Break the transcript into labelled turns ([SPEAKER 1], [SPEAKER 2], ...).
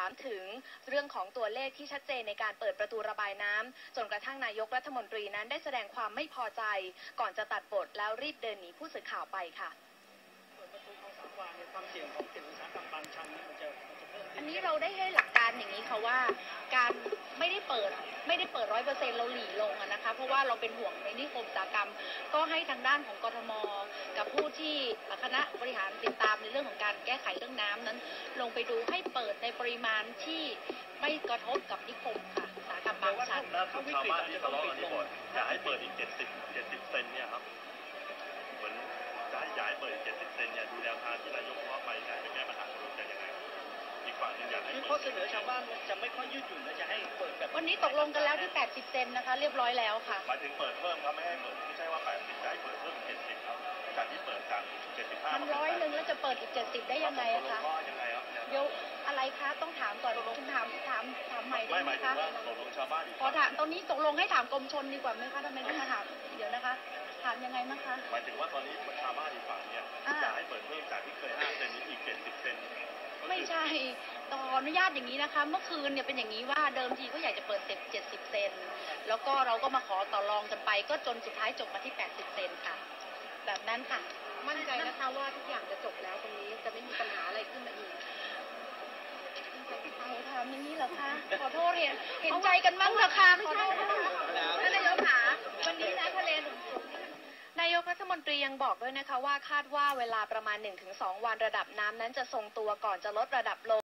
[SPEAKER 1] ามถึงเรื่องของตัวเลขที่ชัดเจนในการเปิดประตูระบายน้ำจนกระทั่งนายกรัฐมนตรีนั้นได้แสดงความไม่พอใจก่อนจะตัดบทแล้วรีบเดินหนีผู้สื่อข่าวไปค่ะ
[SPEAKER 2] ความเสี่ยงของเขตอุตสาหกรรมบางชันมันจะเพิ่ม
[SPEAKER 1] อันนี้เราได้ให้หลักการอย่างนี้ค่ะว่าการไม่ได้เปิด100%เราหลีลงนะคะเพราะว่าเราเป็นห่วงในนิคมอุตสาหกรรมก็ให้ทางด้านของกทมกับผู้ที่คณะบริหารติดตามในเรื่องของการแก้ไขเรื่องน้ำนั้นลงไปดูให้เปิดในปริมาณที่ไม่กระทบกับนิคมค่ะอุตสาหกรรมบางชัน
[SPEAKER 3] ชาวบ้านที่ทะเลาะกันที่บ่นอยากให้เปิดอีก70 เซนเนี่ยครับเหมือนอยากให้เปิดอีก70 เซนเนี่ยดูแนวทางที่นายกว่าไปอยากจะแก้ปัญหาตรงนี้จะยังไงอีกฝั่งนึงอยากให้
[SPEAKER 2] ข้อเสนอชาวบ้านจะไม่ค่อยยืดหยุ่นและจะให้เปิดแบบ
[SPEAKER 1] วันนี้ตกลงกันแล้วที่80 เซนนะคะเรียบร้อยแล้วค่ะ
[SPEAKER 3] หมายถึงเปิดเพิ่มครับไม่ให้เปิดไม่ใช่ว่า80จะให้เปิดเพิ่ม70ครับจากที่เปิดจาก75
[SPEAKER 1] มัน100 นึงแล้วจะเปิดอีก70ได้ยังไงอะคะเดี๋ยวอะไรคะต้องถามก่อนคุณถามใหม่ได้ไหมคะ
[SPEAKER 3] ตกลงชาวบ้าน
[SPEAKER 1] ขอถามตอนนี้ตกลงให้ถามกรมชลดีกว่าไหมคะทำไมต้องมาถามเดี๋ยวนะคะถามยังไงมั้งคะ
[SPEAKER 3] หมายถึงว่าตอนนี้ชาวบ้านอีกฝั่งเนี่ยอยากให้เปิดเพิ่มจากที่เคย5 เซนนี้อีก70 เซน
[SPEAKER 1] ไม่ใช่ขออนุญาตอย่างนี้นะคะเมื่อคืนเนี่ยเป็นอย่างนี้ว่าเดิมทีก็อยากจะเปิด70 เซนแล้วก็เราก็มาขอต่อรองกันไปก็จนสุดท้ายจบมาที่80 เซนค่ะแบบนั้นค่ะมั่นใจนะคะว่าทุกอย่างจะจบแล้วตรงนี้จะไม่มีปัญหาอะไรขึ้นมาอีกถามอย่างนี้เหรอคะขอโทษเห็นใจกันมั้งเหรอคะขอโทษนะคะท่านนายกค่ะวันนี้นะทะเลหนุนสูงนายกรัฐมนตรียังบอกด้วยนะคะว่าคาดว่าเวลาประมาณ 1-2 วันระดับน้ำนั้นจะทรงตัวก่อนจะลดระดับลง